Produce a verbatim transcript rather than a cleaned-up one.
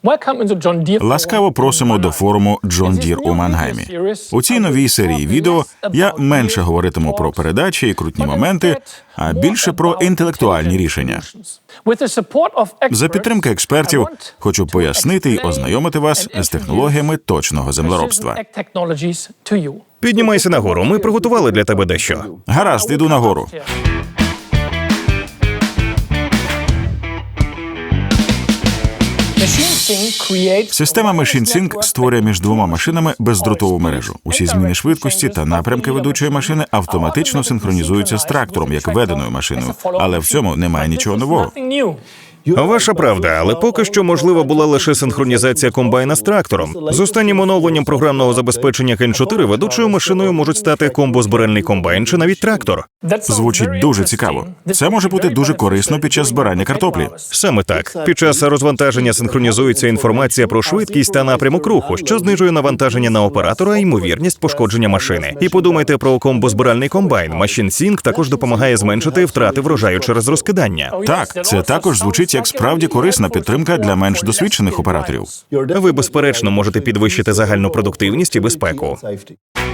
Ласкаво просимо до форуму John Deere у Мангаймі. У цій новій серії відео я менше говоритиму про передачі і крутні моменти, а більше про інтелектуальні рішення. За підтримки експертів хочу пояснити і ознайомити вас з технологіями точного землеробства. Піднімайся нагору, ми приготували для тебе дещо. Гаразд, іду нагору. Система MachineSync створює між двома машинами бездротову мережу. Усі зміни швидкості та напрямки ведучої машини автоматично синхронізуються з трактором, як веденою машиною. Але в цьому немає нічого нового. Ваша правда, але поки що можлива була лише синхронізація комбайна з трактором. З останнім оновленням програмного забезпечення Кен чотири ведучою машиною можуть стати комбозбиральний комбайн чи навіть трактор. Звучить дуже цікаво. Це може бути дуже корисно під час збирання картоплі. Саме так. Під час розвантаження синхронізується інформація про швидкість та напрямок руху, що знижує навантаження на оператора і ймовірність пошкодження машини. І подумайте про комбозбиральний комбайн. MachineSync також допомагає зменшити втрати врожаю через розкидання. Так, це також звучить як справді корисна підтримка для менш досвідчених операторів. Ви, безперечно, можете підвищити загальну продуктивність і безпеку.